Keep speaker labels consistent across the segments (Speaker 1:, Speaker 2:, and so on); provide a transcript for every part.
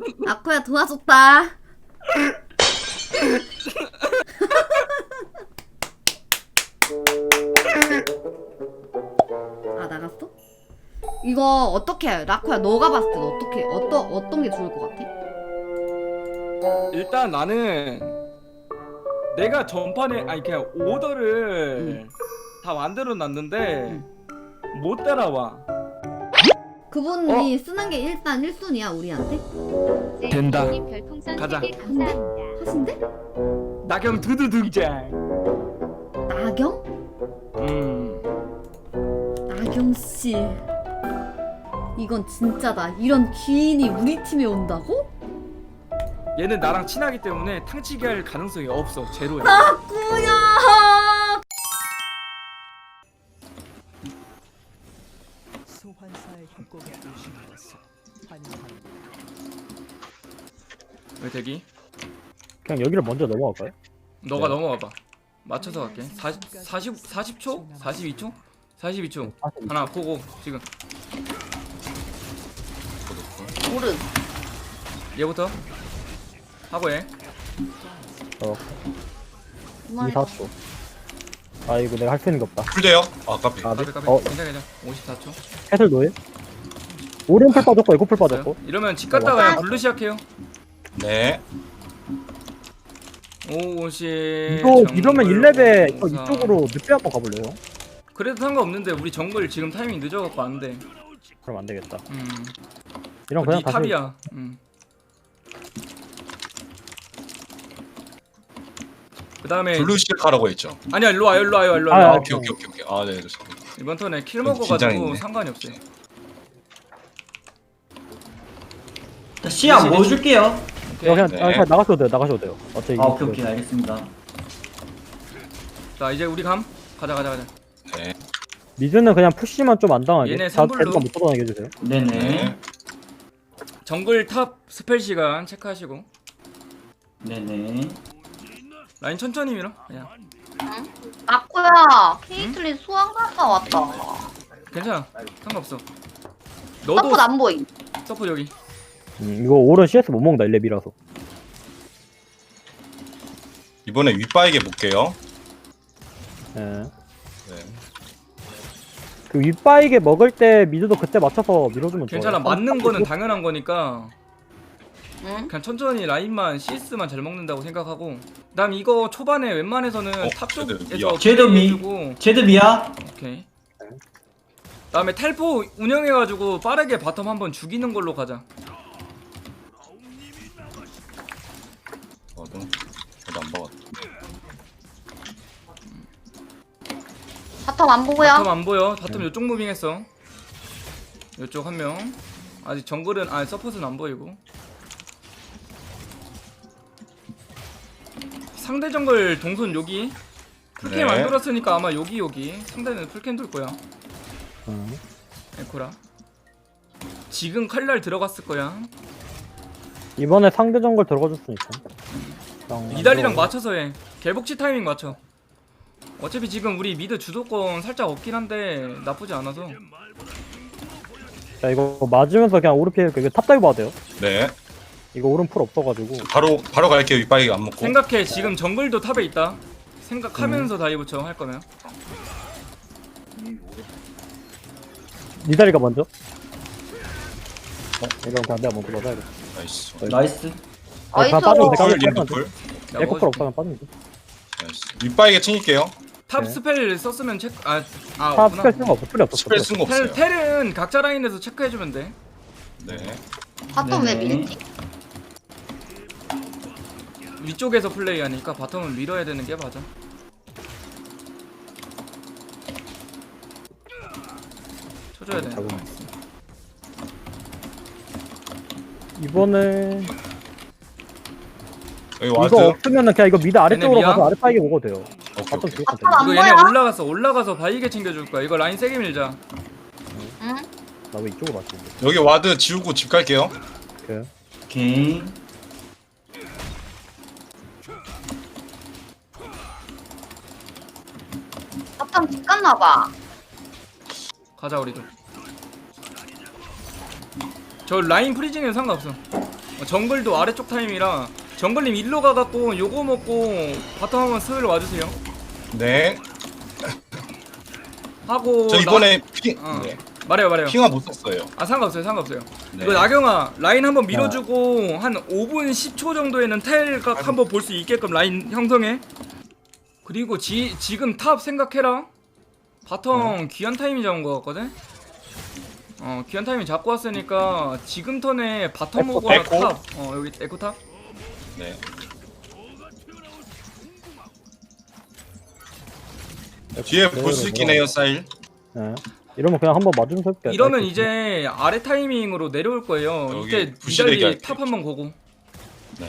Speaker 1: 아코야 도와줬다. 아 나갔어? 이거 어떻게 해? 라코야 너가 봤을 때 어떻게 어떤 게 좋을 것 같아?
Speaker 2: 일단 나는 내가 전판에 아니 그냥 오더를 다 만들어 놨는데 못 따라와.
Speaker 1: 그분이 쓰는 게 일단 1순위야 우리한테?
Speaker 2: 된다.
Speaker 3: 별풍선
Speaker 2: 가자.
Speaker 3: 3개 감사합니다.
Speaker 1: 하신대?
Speaker 2: 나경 두두 등장.
Speaker 1: 나경? 나경씨 이건 진짜다. 이런 귀인이 우리 팀에 온다고?
Speaker 2: 얘는 나랑 친하기 때문에 탕치기 할 가능성이 없어. 제로야.
Speaker 1: 나꾸야.
Speaker 4: 소환사의 협곡에 오신 것을 환영합니다.
Speaker 2: 왜 대기?
Speaker 5: 그냥 여기를 먼저 넘어갈까요?
Speaker 2: 너가 넘어와봐. 맞춰서 갈게. 40초? 42초? 42초. 하나 고고 지금.
Speaker 1: 오른.
Speaker 2: 얘부터 하고 해.
Speaker 5: 2, 4초. 아 이거 내가 할 수 있는 게 없다.
Speaker 6: 풀돼요? 아 까비.
Speaker 2: 까비 까비.
Speaker 5: 어,
Speaker 2: 괜찮아 괜찮아. 54초.
Speaker 5: 해설 노예? 오른풀 빠졌고 에코풀 빠졌고.
Speaker 2: 이러면 집 갔다가 그냥 블루 시작해요.
Speaker 6: 네.
Speaker 2: 50.
Speaker 5: 이러면 1렙에 이쪽으로 늑대 한번 가볼래요?
Speaker 2: 그래도 상관없는데 우리 정글 지금 타이밍 늦어갖고 안 돼.
Speaker 5: 그럼 안 되겠다. 이런
Speaker 2: 네
Speaker 5: 그냥 다시
Speaker 2: 탑이야. 그 다음에
Speaker 6: 블루 시작하라고 했죠.
Speaker 2: 아니야 일로 와요 일로 와요 일로
Speaker 5: 아,
Speaker 2: 와요.
Speaker 5: 아,
Speaker 6: 오케이. 아 네. 좋습니다.
Speaker 2: 이번 턴에 킬
Speaker 6: 좀
Speaker 2: 먹어가지고
Speaker 6: 긴장했네.
Speaker 2: 상관이 없어요.
Speaker 7: 시야 뭐 줄게요.
Speaker 5: 이거 그냥,
Speaker 6: 네.
Speaker 5: 그냥 나가셔도 돼요. 나가셔도 돼요. 어차피
Speaker 7: 아 오케이 오케이 알겠습니다.
Speaker 2: 자 이제 우리 감 가자.
Speaker 6: 네.
Speaker 5: 미드는 그냥 푸시만 좀 안 당하게.
Speaker 2: 얘네
Speaker 5: 다
Speaker 2: 선불로.
Speaker 5: 대두가 못 떠나게 해주세요.
Speaker 7: 네네.
Speaker 6: 네.
Speaker 2: 정글 탑 스펠 시간 체크하시고
Speaker 7: 네네.
Speaker 2: 라인 천천히 밀어 그냥.
Speaker 8: 아코야 케이틀린 수학 갔다 왔다.
Speaker 2: 괜찮아 상관없어. 너도
Speaker 8: 서폿 안 보임.
Speaker 2: 서포 여기.
Speaker 5: 이거 오른 CS 못 먹는다 1렙이라서.
Speaker 6: 이번에 윗바에게 볼게요.
Speaker 5: 예.
Speaker 6: 네.
Speaker 5: 그 윗바이게 먹을 때 미드도 그때 맞춰서 밀어주면
Speaker 2: 괜찮아
Speaker 5: 좋아요.
Speaker 2: 맞는 거는 당연한 거니까
Speaker 8: 응?
Speaker 2: 그냥 천천히 라인만 CS만 잘 먹는다고 생각하고 그다음 이거 초반에 웬만해서는 탑
Speaker 6: 쟤들
Speaker 2: 쪽에서
Speaker 6: 미야.
Speaker 7: 쟤도 미.
Speaker 2: 해주고
Speaker 7: 제드미야.
Speaker 2: 오케이. 그다음에 텔포 운영해가지고 빠르게 바텀 한번 죽이는 걸로 가자.
Speaker 6: 저도 안 먹었다.
Speaker 8: 바텀 안 보고요.
Speaker 2: 바텀 안 보여. 바텀 요쪽 무빙했어. 요쪽 한 명. 아직 정글은 서폿은 안 보이고. 상대 정글 동선 여기. 풀캠
Speaker 6: 네.
Speaker 2: 만들었으니까 아마 여기. 상대는 풀캠 돌 거야. 에코라. 지금 칼날 들어갔을 거야.
Speaker 5: 이번에 상대 정글 들어가 줬으니까.
Speaker 2: 이달리랑 맞춰서 해. 개복치 타이밍 맞춰. 어차피 지금 우리 미드 주도권 살짝 없긴 한데 나쁘지 않아서.
Speaker 5: 자 이거 맞으면서 그냥 오른필 이거 탑다이브 봐도 돼요.
Speaker 6: 네.
Speaker 5: 이거 오른풀 없어가지고.
Speaker 6: 바로 갈게요. 윗바에게 안 먹고.
Speaker 2: 생각해 지금 정글도 탑에 있다. 생각하면서 다이브 쳐 할 거면.
Speaker 5: 니다리가 먼저. 이건 그냥 내가 먼저 맞아야겠다.
Speaker 6: 나이스.
Speaker 7: 나이스.
Speaker 5: 그냥
Speaker 8: 어이소.
Speaker 5: 빠지면 돼.
Speaker 6: 풀
Speaker 5: 빠지면
Speaker 6: 얘도
Speaker 5: 돼.
Speaker 6: 풀.
Speaker 5: 에코풀 없다면 빠지면 돼.
Speaker 6: 나이스. 윗바에게 챙길게요.
Speaker 2: 탑
Speaker 5: 네.
Speaker 2: 스펠 썼으면 체크
Speaker 5: 탑
Speaker 2: 없구나.
Speaker 5: 스펠 쓴거 없어. 풀이 없었어.
Speaker 6: 스펠 쓴 거 없어요.
Speaker 2: 텔은 각자 라인에서 체크해주면 돼.
Speaker 6: 네.
Speaker 8: 바텀 왜
Speaker 7: 네네.
Speaker 8: 밀지?
Speaker 2: 위쪽에서 플레이하니까 바텀은 밀어야 되는 게 맞아. 쳐줘야 돼.
Speaker 5: 이번에
Speaker 6: 여기
Speaker 5: 이거
Speaker 6: 와드.
Speaker 5: 없으면은 그냥 이거 미드 아래쪽으로
Speaker 2: 미야?
Speaker 5: 가서 아래 파이게 먹어도 돼요.
Speaker 6: 오케이.
Speaker 5: 바텀
Speaker 6: 오케이.
Speaker 5: 죽었으면 돼.
Speaker 8: 바텀 안
Speaker 2: 이거 얘네
Speaker 8: 보여?
Speaker 2: 올라가서 바이게 챙겨줄 거야. 이거 라인 세게 밀자.
Speaker 8: 응?
Speaker 5: 나왜 이쪽으로 맞추는데?
Speaker 6: 여기 와드 지우고 집 갈게요.
Speaker 5: 오케이.
Speaker 7: 오케이.
Speaker 8: 바텀 집 갔나봐.
Speaker 2: 가자 우리도. 저 라인 프리징에는 상관없어. 정글도 아래쪽 타임이라 정글님 일로 가갖고 요거 먹고 바텀 한번 스을 와주세요.
Speaker 6: 네.
Speaker 2: 하고
Speaker 6: 저 이번에
Speaker 2: 네. 말해요.
Speaker 6: 핑화 못 썼어요.
Speaker 2: 아 상관없어요.
Speaker 6: 네.
Speaker 2: 이거 나경아 라인 한번 밀어주고 한 5분 10초 정도에는 텔각 한번 볼 수 있게끔 라인 형성해. 그리고 지금 탑 생각해라. 바텀 귀한 타이밍 잡은 거 같거든. 귀한 타이밍 잡고 왔으니까 지금 턴에 바텀 오거나
Speaker 6: 에코?
Speaker 2: 탑. 여기 에코 탑.
Speaker 6: 네. 뒤에 볼 수 있긴 해요, 사일.
Speaker 5: 네. 이러면 그냥 한번 맞으면서 해볼게요.
Speaker 2: 이러면 이제 아래 타이밍으로 내려올 거예요.
Speaker 6: 여기
Speaker 2: 이때
Speaker 6: 부시대기
Speaker 2: 니달리
Speaker 6: 할게요.
Speaker 2: 탑 한번 보고.
Speaker 6: 네.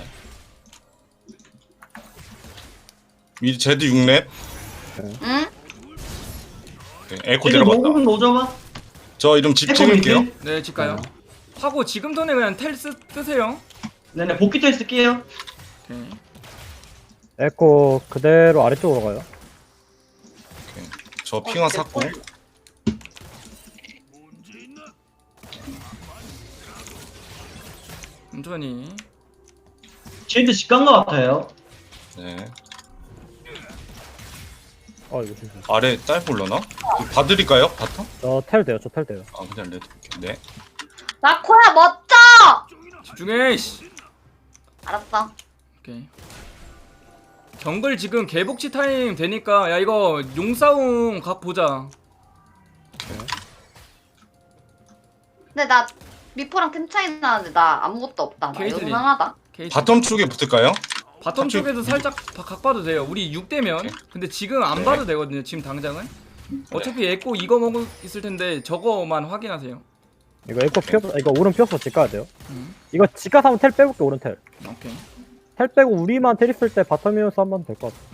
Speaker 6: 미 제드 6렙.
Speaker 8: 응?
Speaker 6: 네, 에코
Speaker 7: 쟤들
Speaker 6: 내려갔다.
Speaker 7: 노공 노져봐.
Speaker 6: 저 이름 집
Speaker 7: 에코
Speaker 6: 찍을게요.
Speaker 7: 밑에.
Speaker 2: 네, 집 가요. 하고 지금 턴에 그냥 텔 뜨세요.
Speaker 7: 네네 복귀 텔 쓸게요.
Speaker 2: 오케이.
Speaker 5: 에코 그대로 아래쪽으로 가요.
Speaker 6: 저 핑화 샀고.
Speaker 2: 천천히.
Speaker 7: 쟤들 직간 거 같아요.
Speaker 6: 네.
Speaker 5: 이거 진짜.
Speaker 6: 아래 짧 올려나? 봐드릴까요? 바텀?
Speaker 5: 저텔 돼요. 저 텔 돼요.
Speaker 6: 아 그냥 레드. 네.
Speaker 8: 라코야 멋져.
Speaker 2: 집중해. 씨.
Speaker 8: 알았어.
Speaker 2: 오케이. 정글 지금 개복치 타임 되니까 야 이거 용싸움 각 보자.
Speaker 8: 근데 나 미포랑 템 차이 나는데 나 아무것도 없다. 나
Speaker 2: 케이틀린.
Speaker 8: 요만하다.
Speaker 2: 케이트.
Speaker 6: 바텀 쪽에 붙을까요?
Speaker 2: 바텀 쪽에도 살짝 각 봐도 돼요. 우리 6대면.
Speaker 6: 오케이.
Speaker 2: 근데 지금 안
Speaker 6: 네.
Speaker 2: 봐도 되거든요. 지금 당장은. 어차피 에코 이거 먹을 있을 텐데 저거만 확인하세요.
Speaker 5: 이거 에코 피었어. 이거 오른 피었어. 집 가야 돼요.
Speaker 2: 음.
Speaker 5: 이거 집 가서 한번 텔 빼볼게. 오른 텔.
Speaker 2: 오케이.
Speaker 5: 텔 빼고 우리만 텔 있을 때 바텀이어서 한번 될 것 같아.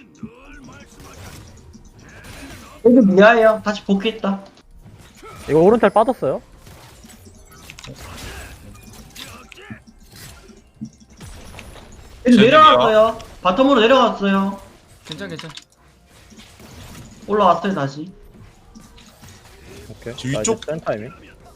Speaker 7: 쟤들 미아예요. 다시 복귀했다.
Speaker 5: 이거 오른 텔 빠졌어요.
Speaker 7: 쟤들
Speaker 6: 쟤들이요?
Speaker 7: 내려갔어요. 바텀으로 내려갔어요.
Speaker 2: 괜찮.
Speaker 7: 올라왔어요 다시.
Speaker 5: 오케이.
Speaker 6: 저
Speaker 5: 자,
Speaker 6: 위쪽?
Speaker 5: 이제 센 타이밍.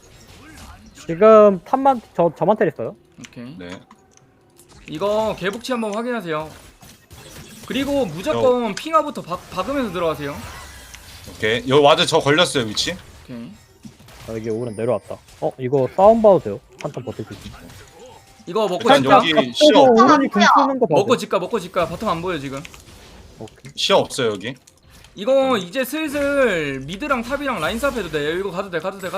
Speaker 5: 지금 탑만 저만 텔 있어요.
Speaker 2: 오케이.
Speaker 6: 네.
Speaker 2: 이거 개복치 한번 확인하세요. 그리고 무조건 핑화부터 박으면서 들어가세요.
Speaker 6: 오케이. 여기 와드 저 걸렸어요 위치.
Speaker 2: 오케이.
Speaker 5: 여기 오른 내려왔다. 이거 싸움 봐도 돼요. 한턴 버틸 수 있어.
Speaker 2: 이거 먹고
Speaker 6: 일단
Speaker 2: 집가.
Speaker 6: 여기 시야
Speaker 5: 오른이 금 쓰는 거 봐도.
Speaker 2: 먹고 집가. 바텀 안 보여 지금.
Speaker 5: 오케이.
Speaker 6: 시야 없어요 여기.
Speaker 2: 이거 이제 슬슬 미드랑 탑이랑 라인 삽 해도 돼. 이거 가도 돼.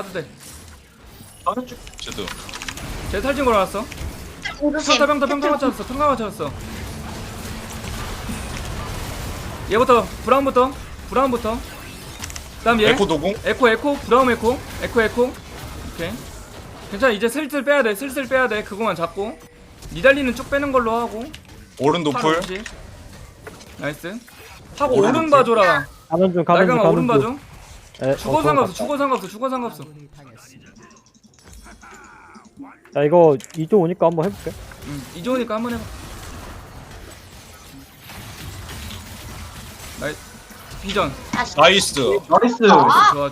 Speaker 6: 제드.
Speaker 2: 제 탈진 걸어놨어.
Speaker 8: 조심.
Speaker 2: 평타 맞췄어. 얘부터 브라운부터. 그다음 얘.
Speaker 6: 에코 도공.
Speaker 2: 에코 브라운 에코. 오케이. 괜찮아. 이제 슬슬 빼야 돼. 그거만 잡고. 니달리는 쭉 빼는 걸로 하고.
Speaker 6: 오른 노플.
Speaker 2: 팔 나이스. 하고 오른 봐줘라.
Speaker 5: 가는 중
Speaker 2: 나경아 오른 봐줘.
Speaker 5: 네,
Speaker 2: 죽어 상관없어.
Speaker 4: 아군이 당했습니다.
Speaker 5: 자 이거 2조 오니까 한번 해볼게.
Speaker 2: 이조니까 한번 해봐. 나이스. 비전.
Speaker 6: 나이스.
Speaker 7: 나이스.
Speaker 2: 좋아.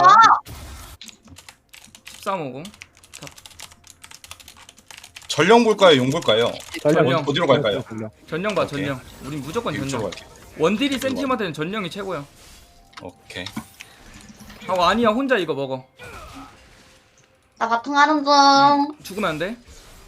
Speaker 2: 1350.
Speaker 6: 전령 볼까요? 용 볼까요?
Speaker 2: 전령.
Speaker 6: 어디로 갈까요?
Speaker 2: 전령 봐,
Speaker 6: 오케이.
Speaker 2: 전령. 우린 무조건
Speaker 6: 이쪽으로
Speaker 2: 전령.
Speaker 6: 갈게요.
Speaker 2: 원딜이 센 팀한테는 전령이 최고야.
Speaker 6: 오케이.
Speaker 2: 하고 아니야 혼자 이거 먹어.
Speaker 8: 나 바통 하는 중.
Speaker 2: 죽으면 안 돼.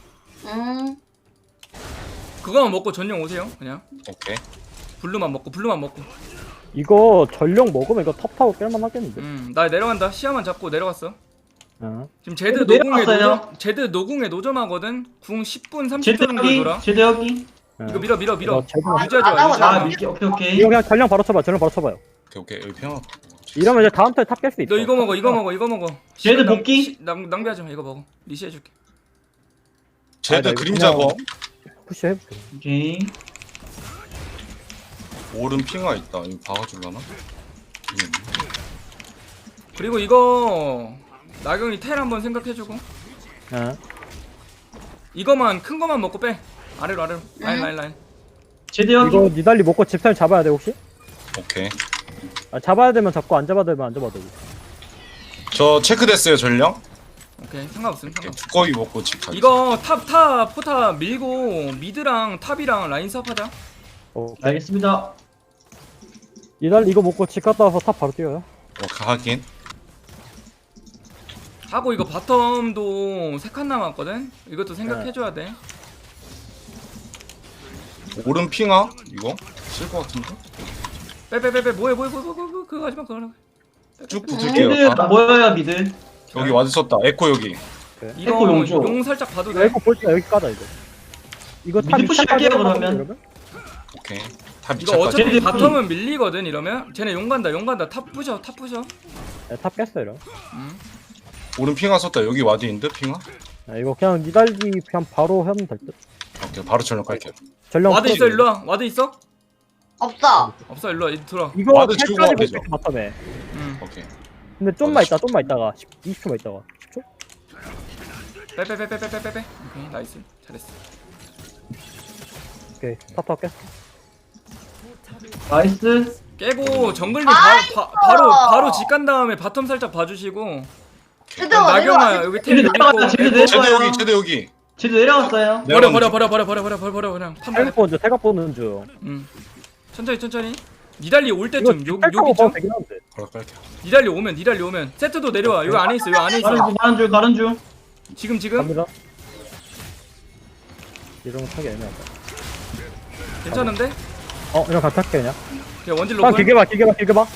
Speaker 8: 음.
Speaker 2: 그거만 먹고 전령 오세요. 그냥
Speaker 6: 오케이.
Speaker 2: 블루만 먹고.
Speaker 5: 이거 전령 먹으면 이거 탑 타고 깰만 하겠는데.
Speaker 2: 나 내려간다. 시야만 잡고 내려갔어. 지금 제드
Speaker 7: 얘들
Speaker 2: 노궁에
Speaker 7: 내려갔어요.
Speaker 2: 제드 노궁에 노점하거든. 궁 10분 30초
Speaker 7: 쟤들
Speaker 2: 정도
Speaker 7: 여기.
Speaker 2: 돌아.
Speaker 7: 쟤들 여기.
Speaker 2: 이거 밀어.
Speaker 5: 이거 제대로
Speaker 2: 유지하지 마.
Speaker 8: 아,
Speaker 2: 유지하지
Speaker 7: 아
Speaker 2: 마.
Speaker 7: 밀게. 오케이.
Speaker 5: 이거 그냥 전령 바로 쳐봐요.
Speaker 6: 오케이. 여기 평화.
Speaker 5: 이러면 이제 다음 턴에 탑 깰 수 있어.
Speaker 2: 너 이거 먹어.
Speaker 7: 쟤들
Speaker 2: 시간
Speaker 7: 복귀?
Speaker 2: 낭비하지 마. 이거 먹어. 리시해줄게.
Speaker 6: 제드
Speaker 5: 나
Speaker 6: 그림자
Speaker 5: 그냥-
Speaker 6: 거.
Speaker 5: 푸시 해볼게.
Speaker 7: 오케이.
Speaker 6: 오른 핑화 있다. 이거 박아줄라나?
Speaker 2: 그리고 이거 나경이 텔 한번 생각해주고.
Speaker 5: 네.
Speaker 2: 이거만 큰 거만 먹고 빼. 아래로. 라인.
Speaker 7: 쟤들 여기.
Speaker 5: 이거 니달리 먹고 집사님 잡아야 돼 혹시?
Speaker 6: 오케이.
Speaker 5: 잡아야 되면 잡고 안 잡아야 되면 안 잡아도 되고.
Speaker 6: 저 체크됐어요 전령.
Speaker 2: 오케이 상관없음.
Speaker 6: 오케이,
Speaker 2: 상관없음.
Speaker 6: 두꺼비 먹고 집 가자.
Speaker 2: 이거 탑 포탑 밀고 미드랑 탑이랑 라인 수업하자.
Speaker 7: 알겠습니다.
Speaker 5: 이달 이거 먹고 집 갔다 와서 탑 바로 뛰어요.
Speaker 6: 하긴.
Speaker 2: 하고 이거 바텀도 3칸 남았거든. 이것도 생각해줘야 돼.
Speaker 6: 오른 핑아? 이거? 쓸 것 같은데?
Speaker 2: 빼빼빼빼 뭐해 그거 하지마 그거.
Speaker 6: 쭉 붙을게요.
Speaker 7: 미드
Speaker 6: 다.
Speaker 7: 모여요 미드.
Speaker 6: 여기 와드 썼다. 에코 여기.
Speaker 2: 이거
Speaker 7: 에코 용조.
Speaker 2: 용 살짝 봐도
Speaker 5: 이거
Speaker 2: 돼.
Speaker 5: 에코 볼때 여기 까자 이거. 이거 탑
Speaker 7: 미드 푸시할게요, 그러면.
Speaker 6: 오케이. 탑
Speaker 2: 이거
Speaker 6: 2차까지.
Speaker 2: 어차피
Speaker 7: 쟤네들
Speaker 2: 바텀은 밀리거든 이러면. 쟤네 용 간다. 탑 부셔.
Speaker 5: 네, 탑 깼어 이러.
Speaker 6: 오른 핑아 썼다. 여기 와드 있는데 핑아?
Speaker 5: 이거 그냥 니달기 그냥 바로 하면 될 듯.
Speaker 6: 오케이, 바로 전력할게요.
Speaker 5: 전령
Speaker 2: 와드 있어
Speaker 5: 풀어줘.
Speaker 2: 일로 와. 와드 있어?
Speaker 8: 없어.
Speaker 2: 없어 일로 와. 들어.
Speaker 5: 이거
Speaker 6: 와드 지우고
Speaker 5: 텔까지
Speaker 6: 되죠.
Speaker 5: 볼수 있어 바텀에.
Speaker 6: 오케이.
Speaker 5: 근데 좀만 있다가 20초만 있다가 10초?
Speaker 2: 빼빼빼빼빼빼빼. 오케이 나이스. 잘했어.
Speaker 5: 오케이 탑 깼어.
Speaker 7: 나이스.
Speaker 2: 깨고 정글님
Speaker 8: 나이스!
Speaker 2: 바로 집 간 다음에 바텀 살짝 봐주시고.
Speaker 8: 쟤도
Speaker 2: 나경아 여기 텔
Speaker 7: 쟤네
Speaker 2: 밀고.
Speaker 7: 내려가요, 쟤네
Speaker 2: 에코.
Speaker 6: 제대
Speaker 7: 내려가요.
Speaker 6: 여기, 제대 여기.
Speaker 7: 쟤도 내려갔어요.
Speaker 2: 버려 그냥 판단해.
Speaker 5: 태각 보는 중 태각 보는 중.
Speaker 2: 천천히 니달리 올
Speaker 5: 이거
Speaker 2: 때쯤 요
Speaker 5: 탈타고
Speaker 2: 여기쯤
Speaker 5: 봐도 되긴 한데.
Speaker 6: 바로 깔게요.
Speaker 2: 니달리 오면 세트도 내려와. 여기 안에 있어.
Speaker 7: 가는 중.
Speaker 2: 지금
Speaker 5: 갑니다. 이런 거 타기 애매하다.
Speaker 2: 괜찮은데?
Speaker 5: 이런 거 탈게 그냥.
Speaker 2: 그냥 원질
Speaker 5: 아
Speaker 2: 로플.
Speaker 5: 길게 봐.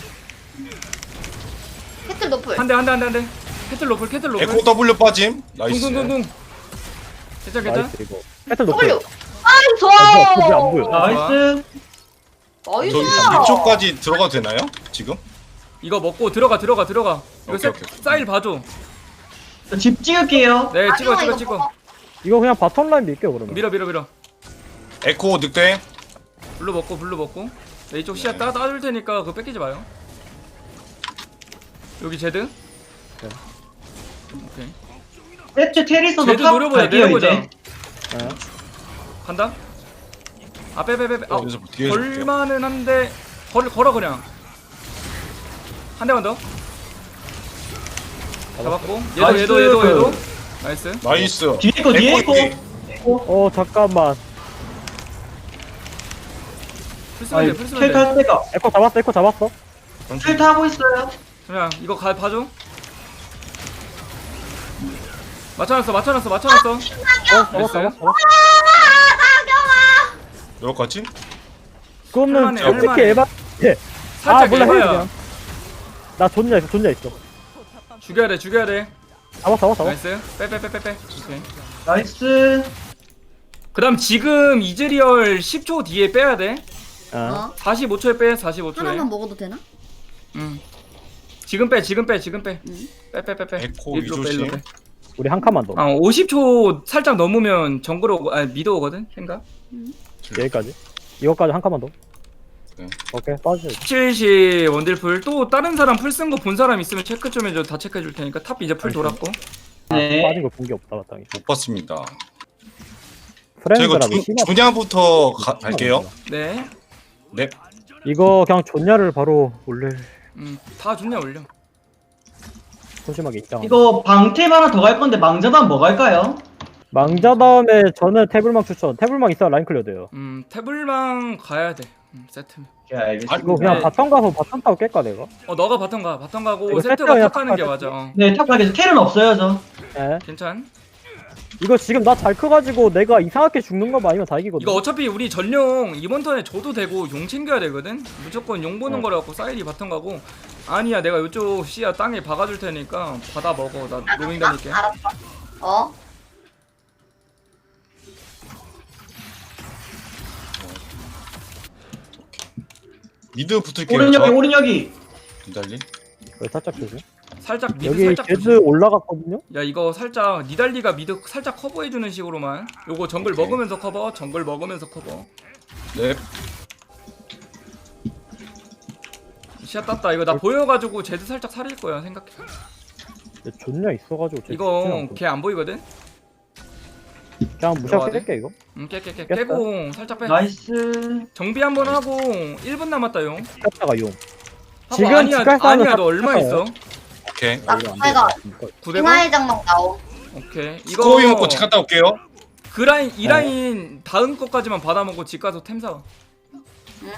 Speaker 8: 캐틀 노플.
Speaker 2: 한대. 캐틀 로플.
Speaker 6: 에코 W 빠짐. 나이스.
Speaker 2: 쿵쿵쿵쿵. 괜찮.
Speaker 5: 나이스 이거. 배틀 높여.
Speaker 8: W. 아,
Speaker 5: 그거 안 보여.
Speaker 7: 나이스.
Speaker 6: 저기
Speaker 8: 나이스.
Speaker 6: 6초까지 들어가도 되나요? 지금?
Speaker 2: 이거 먹고 들어가. 이거
Speaker 6: 오케이.
Speaker 2: 사일 봐줘.
Speaker 7: 집 찍을게요.
Speaker 2: 네,
Speaker 8: 나경아, 이거
Speaker 2: 찍어.
Speaker 8: 먹어.
Speaker 5: 이거 그냥 바텀 라인 밀게요 그러면.
Speaker 2: 밀어.
Speaker 6: 에코 늑대.
Speaker 2: 블루 먹고. 네, 이쪽 시야 따줄 테니까 그거 뺏기지 마요. 여기 제드. 오케이.
Speaker 7: 세트 테리스도
Speaker 2: 제드
Speaker 7: 탑
Speaker 2: 노려보자.
Speaker 7: 갈게요
Speaker 2: 내려보자.
Speaker 7: 이제.
Speaker 2: 간다. 빼.
Speaker 6: 여기서 뒤에서 볼게요.
Speaker 2: 걸만은 한데 걸어 그냥. 한 대만 더. 잡았고.
Speaker 7: 나이스.
Speaker 2: 얘도. 나이스.
Speaker 6: 나이스.
Speaker 7: 뒤에
Speaker 6: 에코
Speaker 7: 거.
Speaker 6: 여기.
Speaker 5: 잠깐만.
Speaker 2: 풀스면 돼.
Speaker 7: 텔 탈 때가.
Speaker 5: 에코 잡았어.
Speaker 7: 텔 타고 있어요.
Speaker 2: 그냥 이거 봐줘. 맞춰놨어.
Speaker 5: 잡았어.
Speaker 6: 여기까지?
Speaker 5: 그거는
Speaker 2: 할만해,
Speaker 5: 어떻게
Speaker 2: 할만해.
Speaker 5: 에바?
Speaker 2: 살짝
Speaker 5: 몰라 해
Speaker 2: 에바야.
Speaker 5: 그냥. 나 존냐 있어.
Speaker 2: 죽여야 돼.
Speaker 5: 잡았어.
Speaker 2: 나이스. 빼. 오케이.
Speaker 7: 나이스.
Speaker 2: 그다음 지금 이즈리얼 10초 뒤에 빼야 돼.
Speaker 5: 아.
Speaker 2: 45초에 빼. 45초에.
Speaker 1: 하나만 먹어도 되나?
Speaker 2: 지금 빼. 빼.
Speaker 6: 에코
Speaker 2: 일로 빼,
Speaker 6: 위조심.
Speaker 2: 일로 빼.
Speaker 5: 우리 한 칸만 더.
Speaker 2: 50초 살짝 넘으면 정글 오고 미드 오거든. 생각.
Speaker 5: 여기까지. 이거까지 한 칸만 더.
Speaker 6: 네.
Speaker 5: 오케이 빠져.
Speaker 2: 17시 원딜풀 또 다른 사람 풀 쓴 거 본 사람 있으면 체크 좀 해줘. 다 체크해 줄 테니까 탑 이제 풀 돌았고.
Speaker 7: 네.
Speaker 5: 빠진 거 본 게 없다 마땅히.
Speaker 6: 못 봤습니다.
Speaker 5: 프렌드랑
Speaker 6: 저 이거 조냐부터 갈게요.
Speaker 2: 네.
Speaker 6: 네.
Speaker 5: 이거 그냥 존냐를 바로 올릴.
Speaker 2: 다 좋냐 올려.
Speaker 5: 소심하게 입장.
Speaker 7: 이거 방템 하나 더 갈 건데 망자단 뭐 갈까요?
Speaker 5: 망자 다음에 저는 태블망 추천. 태블망 있어야 라인 클리어 돼요.
Speaker 2: 태블망 가야 돼. 세트.
Speaker 7: 네, 알겠습니다.
Speaker 5: 이거 그냥
Speaker 2: 네.
Speaker 5: 바텀 가서 바텀 타고 깰까 내가?
Speaker 2: 너가 바텀 가고
Speaker 5: 이거
Speaker 2: 세트가
Speaker 5: 세트야,
Speaker 2: 탑 가는 게
Speaker 5: 탑
Speaker 2: 맞아.
Speaker 7: 네, 탑 가겠어. 텔은 없어요, 저.
Speaker 5: 예.
Speaker 2: 괜찮?
Speaker 5: 이거 지금 나 잘 커가지고 내가 이상하게 죽는 거 아니면 다 이기거든.
Speaker 2: 이거 어차피 우리 전용 이번 턴에 줘도 되고 용 챙겨야 되거든. 무조건 용 보는 거라 갖고 사일이 바텀 가고. 아니야 내가 이쪽 씨야 땅에 박아줄 테니까 받아 먹어. 나 로밍 다닐게.
Speaker 8: 알았어.
Speaker 6: 미드 붙을게요.
Speaker 7: 오른 여기.
Speaker 6: 기다리.
Speaker 5: 여기 살짝 조심.
Speaker 2: 살짝 미드
Speaker 5: 여기
Speaker 2: 살짝
Speaker 5: 제드
Speaker 2: 조심.
Speaker 5: 올라갔거든요.
Speaker 2: 야 이거 살짝 니달리가 미드 살짝 커버해주는 식으로만. 요거 정글
Speaker 6: 오케이.
Speaker 2: 먹으면서 커버.
Speaker 6: 네.
Speaker 2: 시야 땄다. 이거 나 보여가지고 제드 살짝 살릴 거야 생각해.
Speaker 5: 존냐 있어가지고. 쟤
Speaker 2: 이거
Speaker 5: 죽진 않고.
Speaker 2: 걔 안 보이거든?
Speaker 5: 그냥 무시하게
Speaker 2: 들어가야 돼?
Speaker 5: 깰게 이거.
Speaker 2: 깨고 살짝 빼.
Speaker 7: 나이스.
Speaker 2: 정비 한번 하고 1분 남았다 용.
Speaker 5: 깼다가 용.
Speaker 2: 하고
Speaker 5: 지금
Speaker 2: 아니야
Speaker 5: 집갈 사람은
Speaker 2: 아니야
Speaker 5: 다
Speaker 2: 너 얼마
Speaker 5: 깼어요.
Speaker 2: 있어?
Speaker 6: 오케이.
Speaker 8: 나
Speaker 5: 이거 안
Speaker 8: 내가
Speaker 5: 되겠다.
Speaker 2: 900원?
Speaker 8: 빙하의 장막 나옴.
Speaker 2: 오케이. 이거
Speaker 6: 스코이 먹고 집 갔다 올게요.
Speaker 2: 그 라인 이 라인 다음 거까지만 받아먹고 집 가서 템 사.
Speaker 8: 응?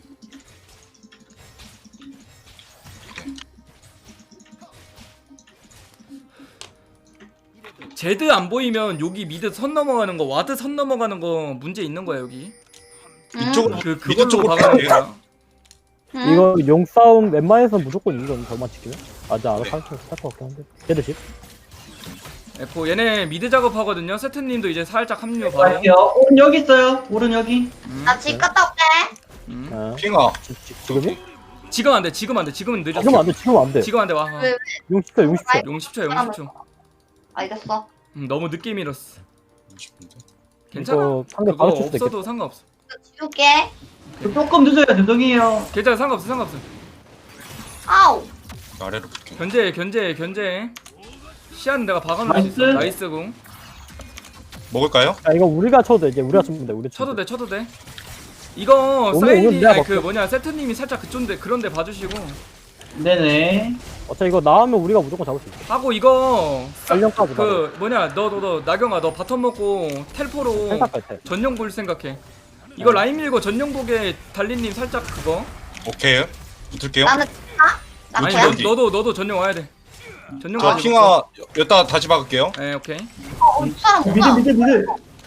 Speaker 2: 제드 안 보이면 여기 미드 선 넘어가는 거 와드 선 넘어가는 거 문제 있는 거야 여기.
Speaker 6: 이쪽으로
Speaker 2: 그
Speaker 6: 미드
Speaker 2: 그걸로
Speaker 6: 쪽으로
Speaker 2: 박아놓은
Speaker 6: 가요.
Speaker 2: 거야.
Speaker 8: 응?
Speaker 5: 이거 용 싸움 웬만해서 무조건 이건 저만 지키면. 아직 알아서 할것 같긴 한데. 걔들 집.
Speaker 2: 에코 얘네 미드 작업하거든요. 세트님도 이제 살짝 합류 바로.
Speaker 7: 갈게요. 오른 여기 있어요. 오른 여기.
Speaker 8: 나 집 갔다 올게.
Speaker 5: 아,
Speaker 6: 핑아.
Speaker 5: 지금이?
Speaker 2: 지금 안 돼. 지금 안 돼. 지금은 늦었어.
Speaker 5: 지금 안 돼. 지금 안 돼.
Speaker 2: 지금 안 돼. 와.
Speaker 8: 왜?
Speaker 5: 용 10초, 용 10초.
Speaker 2: 용 10초, 용 10초.
Speaker 8: 알겠어.
Speaker 2: 너무 늦게 밀었어. 괜찮아.
Speaker 5: 이거 상대
Speaker 2: 그거
Speaker 5: 바로 칠 수도 있겠다.
Speaker 2: 없어도 상관없어.
Speaker 8: 지울게.
Speaker 7: 조금 늦어요. 죄송해요.
Speaker 2: 괜찮아. 상관없어. 상관없어.
Speaker 8: 아우.
Speaker 6: 아래로 볼게.
Speaker 2: 견제. 시야는 내가 박아놓을 수 있어.
Speaker 7: 나이스.
Speaker 2: 나이스 공.
Speaker 6: 먹을까요?
Speaker 5: 야, 이거 우리가 쳐도 돼. 이제 우리가 치면 돼. 우리
Speaker 2: 쳐도 돼. 쳐도 돼. 이거
Speaker 5: 오늘
Speaker 2: 사이드
Speaker 5: 내가
Speaker 2: 아니 그
Speaker 5: 먹게.
Speaker 2: 뭐냐 세트님이 살짝 그쪽인데 그런데 봐주시고
Speaker 7: 네네.
Speaker 5: 어차피 이거 나오면 우리가 무조건 잡을 수 있어.
Speaker 2: 하고 이거
Speaker 5: 전령까지
Speaker 2: 그 뭐냐 너 나경아 너 바텀 먹고 텔포로
Speaker 5: 생각할 때.
Speaker 2: 전용 볼 생각해. 이거 라인 밀고 전용 복에 달린님 살짝 그거.
Speaker 6: 오케이. 붙을게요.
Speaker 8: 나는 가? 나
Speaker 2: 아니
Speaker 8: 그냥?
Speaker 6: 어디?
Speaker 2: 너도 전용 와야 돼. 전용
Speaker 6: 저
Speaker 2: 가지고.
Speaker 6: 핑아 여기다 다시 박을게요.
Speaker 2: 네 오케이.
Speaker 8: 이 사람
Speaker 7: 미드
Speaker 8: 뭐야?
Speaker 7: 미드 미드.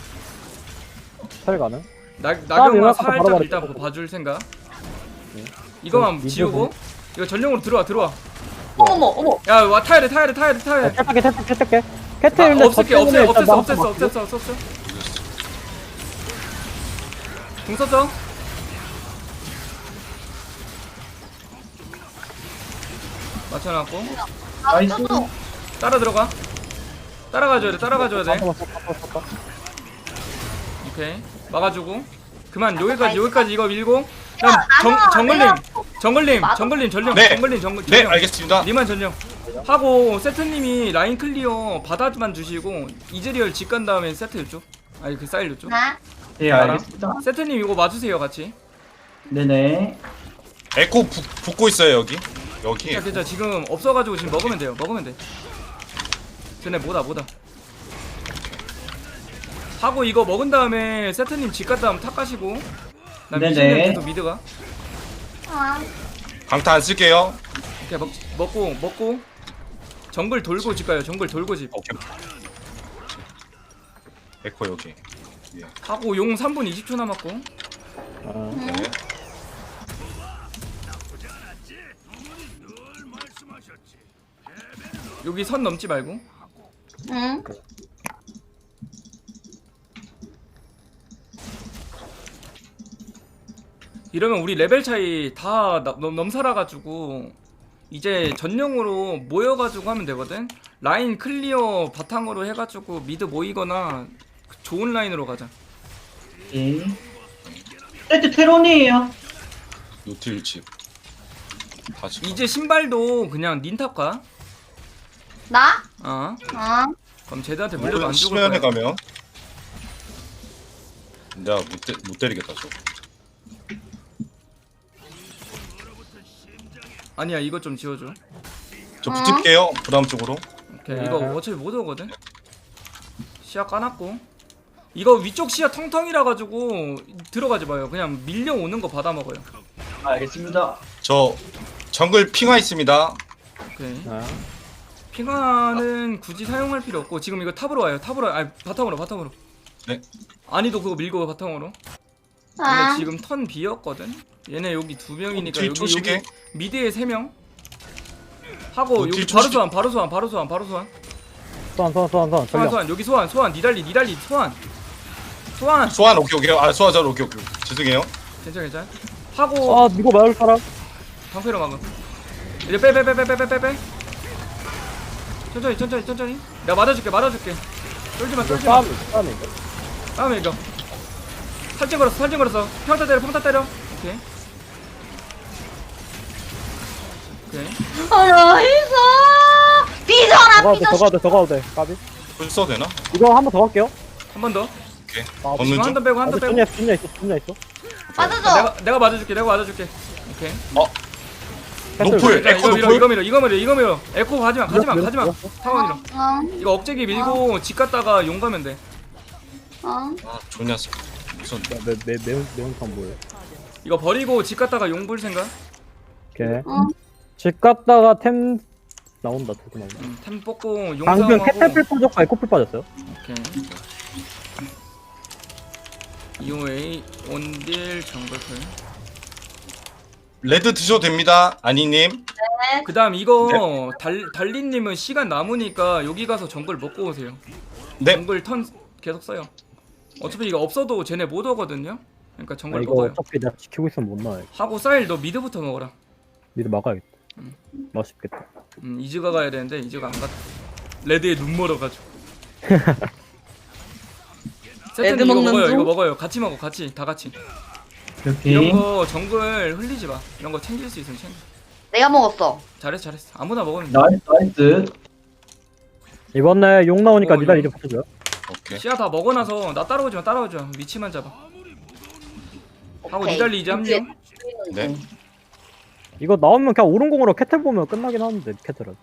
Speaker 5: 살 가능?
Speaker 2: 나경아
Speaker 5: 일어나서
Speaker 2: 살짝
Speaker 5: 바로
Speaker 2: 일단
Speaker 5: 말해.
Speaker 2: 봐줄 생각.
Speaker 5: 네.
Speaker 2: 이거만
Speaker 5: 미드
Speaker 2: 지우고 이거 전용으로 들어와.
Speaker 8: 어머.
Speaker 2: 야 와 타야 돼.
Speaker 5: 캡탈게. 캐트
Speaker 2: 아,
Speaker 5: 일단
Speaker 2: 없앴어. 궁 썼어? 맞춰놨고
Speaker 7: 나이스.
Speaker 8: 나도.
Speaker 2: 따라 들어가. 따라가줘야 돼. 오케이 막아주고 그만 여기까지 이거 밀고 그럼 정글님 전령
Speaker 6: 네.
Speaker 2: 전령
Speaker 6: 네, 알겠습니다.
Speaker 2: 니만 전령 하고 세트님이 라인 클리어 바다만 주시고 이즈리얼 집 간 다음에 세트 이쪽 아니 그 사일 이쪽
Speaker 8: 나?
Speaker 7: 네 알겠습니다.
Speaker 2: 세트님 이거 맞으세요 같이.
Speaker 7: 네네.
Speaker 6: 에코 붙고 있어요 여기. 여기.
Speaker 2: 괜찮아 지금 없어가지고 지금 먹으면 돼. 쟤네 뭐다. 하고 이거 먹은 다음에 세트님 집 갔다 하면 탑 가시고 나
Speaker 7: 네네.
Speaker 2: 미신님 계속 미드가
Speaker 8: 아.
Speaker 6: 강타 안 쓸게요.
Speaker 2: 오케이 먹고 정글 돌고 집 가요. 정글 돌고 집
Speaker 6: 오케이. 에코 여기. 예.
Speaker 2: 하고 용 3분 20초 남았고
Speaker 6: 네.
Speaker 2: 여기 선 넘지 말고
Speaker 8: 응.
Speaker 2: 이러면 우리 레벨 차이 다 넘살아가지고 이제 전용으로 모여가지고 하면 되거든. 라인 클리어 바탕으로 해가지고 미드 모이거나 좋은 라인으로 가자.
Speaker 7: 예. 세트 테론이에요.
Speaker 6: 노틸 집. 다시.
Speaker 2: 이제 신발도 그냥 닌탑 가.
Speaker 8: 나?
Speaker 2: 어. 그럼 쟤들한테 물려도 안 죽을
Speaker 6: 수면에
Speaker 2: 거야.
Speaker 6: 가면 내가 못 때리겠다 저.
Speaker 2: 아니야 이것 좀 지워줘.
Speaker 6: 저 붙을게요. 부담 쪽으로.
Speaker 2: 오케이
Speaker 5: 네.
Speaker 2: 이거 어차피 못 오거든. 시야 까놨고 이거 위쪽 시야 텅텅이라 가지고 들어가지 마요. 그냥 밀려오는 거 받아 먹어요.
Speaker 7: 알겠습니다.
Speaker 6: 저 정글 핑화 있습니다.
Speaker 2: 오케이.
Speaker 5: 아,
Speaker 2: 핑화는 굳이 사용할 필요 없고 지금 이거 탑으로 와요. 아니 바텀으로.
Speaker 6: 네.
Speaker 2: 아니도 그거 밀고 바텀으로. 근데
Speaker 8: 아.
Speaker 2: 지금 턴 비었거든. 얘네 여기 2명이니까
Speaker 6: 뒤 초식에?
Speaker 2: 여기 미드에 3명. 하고 여기
Speaker 6: 뒤
Speaker 2: 바로
Speaker 6: 초식에?
Speaker 2: 소환.
Speaker 5: 소환. 전령.
Speaker 2: 여기 소환 니달리 소환.
Speaker 6: 소환 오케이. 아 소환 잘 오케이. 죄송해요.
Speaker 2: 괜찮아. 하고
Speaker 5: 아, 이거 막을 사람?
Speaker 2: 방패로 막음. 이제 빼. 천천히. 내가 맞아줄게. 쫄지 마.
Speaker 5: 싸움이.
Speaker 2: 다음에 이거. 탈진 걸었어. 평타 때려. 오케이.
Speaker 8: 나이스. 삐져라.
Speaker 5: 더 가도 돼. 까비.
Speaker 6: 풀 써도 되나?
Speaker 5: 이거 한 번 더 갈게요.
Speaker 2: 한 번 더.
Speaker 6: 오케이.
Speaker 5: 아,
Speaker 6: 없는
Speaker 2: 지금
Speaker 6: 중?
Speaker 2: 한턴 빼고.
Speaker 5: 준비야 있어.
Speaker 8: 맞아줘.
Speaker 2: 내가 맞아줄게. 오케이.
Speaker 6: 노플
Speaker 2: 자,
Speaker 6: 에코
Speaker 2: 이거 밀어
Speaker 6: 노플.
Speaker 2: 이거 밀어 에코 가지마 가지마 타워 밀어
Speaker 8: 응.
Speaker 2: 이거 억제기 밀고 집 갔다가 용 가면 돼
Speaker 8: 응.
Speaker 6: 아 좋냐 무슨
Speaker 5: 매운탕 뭐예요?
Speaker 2: 이거 버리고 집 갔다가 용 볼 생각
Speaker 5: 오케이.
Speaker 8: 응.
Speaker 5: 집 갔다가 템 나온다. 두개 나온다.
Speaker 2: 템 뽑고 용
Speaker 5: 방금
Speaker 2: 싸움하고
Speaker 5: 캐탈플 빠졌고 에코플 빠졌어요.
Speaker 2: 오케이 EOA 온딜 정글풀
Speaker 6: 레드 드셔도 됩니다 아니님.
Speaker 2: 그 다음 이거 달리님은 시간 남으니까 여기 가서 정글 먹고 오세요
Speaker 6: 네.
Speaker 2: 정글 턴 계속 써요 어차피 이거 없어도 쟤네 못 오거든요 그러니까
Speaker 5: 아,
Speaker 2: 정글
Speaker 5: 이거
Speaker 2: 먹어요
Speaker 5: 어차피 내가 지키고 있으면 못 나와요.
Speaker 2: 하고 사일 너 미드부터 먹어라
Speaker 5: 미드 막아야겠다. 맛있겠다.
Speaker 2: 이즈가 가야 되는데 이즈가 안 갔다 레드에 눈 멀어가지고 세트는
Speaker 8: 레드
Speaker 2: 이거
Speaker 8: 먹는
Speaker 2: 먹어요
Speaker 8: 중?
Speaker 2: 이거 먹어요 같이 먹어 같이 다 같이
Speaker 7: 이렇게.
Speaker 2: 이런 거 정글 흘리지 마 이런 거 챙길 수 있으면 챙겨
Speaker 8: 내가 먹었어.
Speaker 2: 잘했어 아무나 먹으면 돼
Speaker 7: 나이스.
Speaker 5: 이번에 용 나오니까
Speaker 2: 어,
Speaker 5: 니달
Speaker 2: 용.
Speaker 5: 이제 붙여줘요.
Speaker 6: 오케이.
Speaker 2: 시야 다 먹어놔서 나 따라오지 마 위치만 잡아 하고
Speaker 8: 오케이.
Speaker 2: 니달리 이제 합류
Speaker 6: 네.
Speaker 5: 이거 나오면 그냥 오른공으로 캐틀 보면 끝나긴 하는데 캐틀은.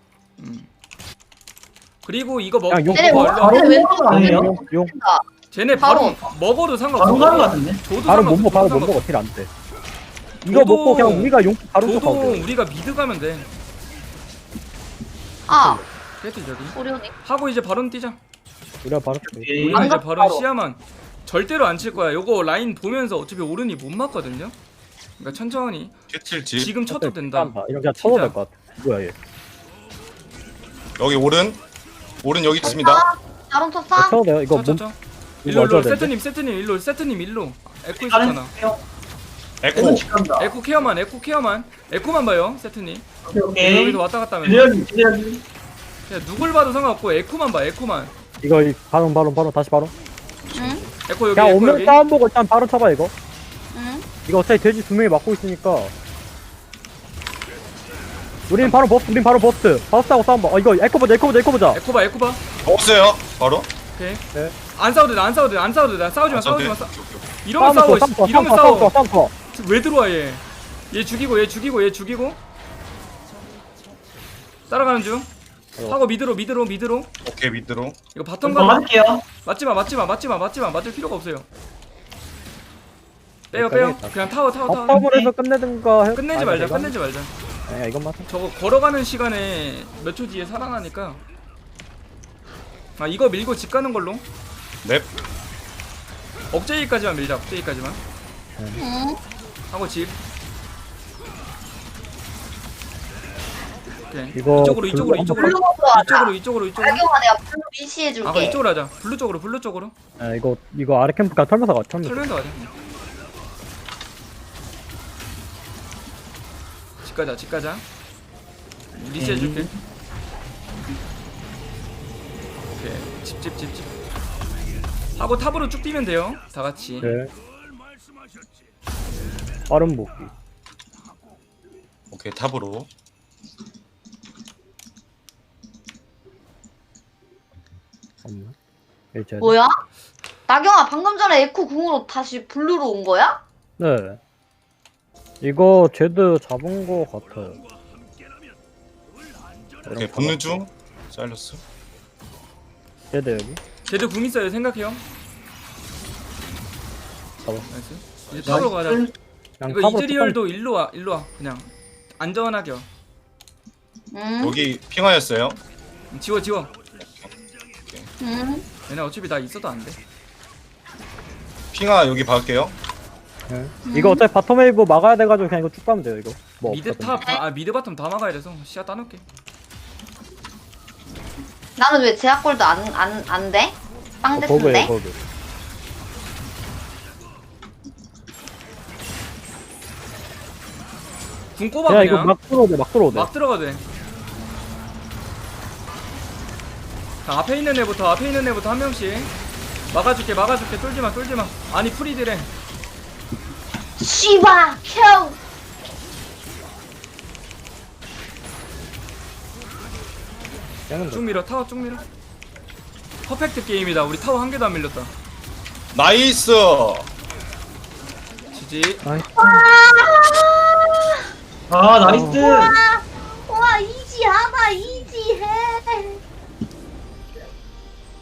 Speaker 2: 그리고 이거 먹
Speaker 5: 그냥 용
Speaker 8: 쟤네
Speaker 2: 먹어
Speaker 8: 뭐,
Speaker 2: 얼른
Speaker 7: 바로
Speaker 8: 쟤네 왜
Speaker 7: 먹는 거 아니에요?
Speaker 5: 용.
Speaker 2: 쟤네
Speaker 8: 바로.
Speaker 2: 바로 먹어도
Speaker 7: 바로
Speaker 2: 상관없어
Speaker 7: 가는 거 같은데?
Speaker 2: 줘도
Speaker 5: 바로 못
Speaker 2: 상관없어
Speaker 5: 먹어. 바로 못
Speaker 2: 상관없어.
Speaker 5: 먹어. 딜 안 돼. 이거
Speaker 2: 저도-
Speaker 5: 먹고 그냥 우리가 용 바로 쪽
Speaker 2: 줘도
Speaker 5: 가고.
Speaker 2: 우리가 미드 가면 돼
Speaker 8: 아,
Speaker 2: 그랬지 저기
Speaker 8: 소리오니.
Speaker 2: 하고 이제 바론 뛰자
Speaker 5: 우리가 바로 쪽.
Speaker 7: 오케이.
Speaker 2: 우리는 이제
Speaker 8: 가-
Speaker 2: 바론
Speaker 8: 바로.
Speaker 2: 시야만 절대로 안 칠 거야 요거 라인 보면서 어차피 오른이 못 맞거든요 그러니까 천천히
Speaker 6: 캐틀집
Speaker 2: 지금 쳐도 된다
Speaker 5: 이런 그냥 쳐도
Speaker 2: 진짜.
Speaker 5: 될 것 같아. 뭐야 얘?
Speaker 6: 여기 오른 여기 있습니다.
Speaker 8: 다른 쳤어?
Speaker 5: 쳐도 돼요. 이거 몸
Speaker 2: 쳐쳐쳐
Speaker 5: 이거
Speaker 2: 일로
Speaker 5: 어쩌야 되는데?
Speaker 2: 세트님 일로 에코
Speaker 7: 다른
Speaker 2: 있었잖아
Speaker 6: 에코
Speaker 7: 에코 직간다.
Speaker 2: 에코 케어만 에코만 봐요 세트님
Speaker 7: 오케이 오케이.
Speaker 2: 여기서 왔다 갔다 하면
Speaker 7: 기대하기.
Speaker 2: 그냥 누굴 봐도 상관없고 에코만 봐 에코만
Speaker 5: 이거 바로 다시 바로.
Speaker 8: 응.
Speaker 2: 에코 여기
Speaker 5: 그냥
Speaker 2: 에코
Speaker 5: 오면
Speaker 2: 여기
Speaker 5: 싸움 보고 일단 바로 쳐봐 이거.
Speaker 8: 응.
Speaker 5: 이거 어차피 돼지 두 명이 막고 있으니까. 우린 바로 버스트. 버스트하고 싸움 봐. 이거 에코 보자.
Speaker 2: 에코 봐
Speaker 6: 먹었어요 바로.
Speaker 2: 오케이
Speaker 5: 네.
Speaker 2: 안 싸워도 돼 싸우지 마
Speaker 6: 저한테.
Speaker 2: 이러면 싸워 이러면 싸워
Speaker 5: 싸움.
Speaker 2: 왜 들어와 얘 죽이고 따라가는 중 하고 미드로
Speaker 6: 오케이 밑으로.
Speaker 2: 이거 바텀
Speaker 7: 한번
Speaker 2: 가면
Speaker 7: 맞을게요.
Speaker 2: 맞을 필요가 없어요 빼요
Speaker 5: 여기까지
Speaker 2: 그냥 타워
Speaker 5: 바텀을 해서 끝내든가 해.
Speaker 2: 끝내지 말자
Speaker 5: 아니야 이건 맞아.
Speaker 2: 저거 걸어가는 시간에 몇 초 뒤에 살아나니까 아 이거 밀고 집 가는 걸로
Speaker 6: 넵.
Speaker 2: 억제기까지만 밀자
Speaker 8: 응.
Speaker 2: 하고 집 오케이
Speaker 5: 이거
Speaker 2: 이쪽으로
Speaker 8: 블루 먹으러 하자.
Speaker 2: 이쪽으로
Speaker 8: 알경아 내가 블루 미시해줄게.
Speaker 2: 아 이쪽으로 하자 블루 쪽으로
Speaker 5: 아, 이거 아래 캠프 그냥 털면서 가.
Speaker 2: 털면서 가자 집 가자 리시해줄게 오케이 집 하고 탑으로 쭉 뛰면 돼요 다같이
Speaker 5: 네. 빠른 복귀.
Speaker 6: 오케이 탑으로.
Speaker 5: 없나? 일제.
Speaker 8: 뭐야? 나경아 방금 전에 에코 궁으로 다시 블루로 온 거야?
Speaker 5: 네. 이거 제드 잡은 거 같아요.
Speaker 6: 오케이 붙는 중. 사일러스.
Speaker 5: 제드 여기.
Speaker 2: 제드 궁 있어요 생각해요
Speaker 5: 잡았어.
Speaker 2: 나이스 이제 탑으로 가자
Speaker 5: 그냥
Speaker 2: 이거
Speaker 5: 탑으로
Speaker 2: 이즈리얼도 일로 와 그냥 안전하게 와
Speaker 8: 응.
Speaker 6: 여기 핑하였어요.
Speaker 2: 지워
Speaker 8: 응.
Speaker 2: 얘네 어차피 나 있어도 안돼
Speaker 6: 핑하 여기 박을게요.
Speaker 5: 네. 이거 어차피 바텀 웨이브 막아야 돼가지고 그냥 이거 쭉 가면 돼요 이거. 뭐
Speaker 2: 미드
Speaker 5: 없거든요.
Speaker 2: 미드 바텀 다 막아야 돼서 시야 따놓게
Speaker 8: 나는 왜 제약골도 안 돼? 빵 됐는데?
Speaker 5: 버그.
Speaker 2: 궁 꼽아
Speaker 5: 그냥 이거
Speaker 2: 그냥
Speaker 5: 막 들어오대
Speaker 2: 막 들어가도 돼 자, 앞에 있는 애부터 한 명씩 막아줄게 쫄지마 아니 프리드래
Speaker 8: 씨바 켜.
Speaker 2: 쭉 밀어 타워 쭉 밀어 퍼펙트 게임이다 우리 타워 한 개도 안 밀렸다
Speaker 6: 나이스.
Speaker 2: 지지
Speaker 5: 아이.
Speaker 7: 아 나이스.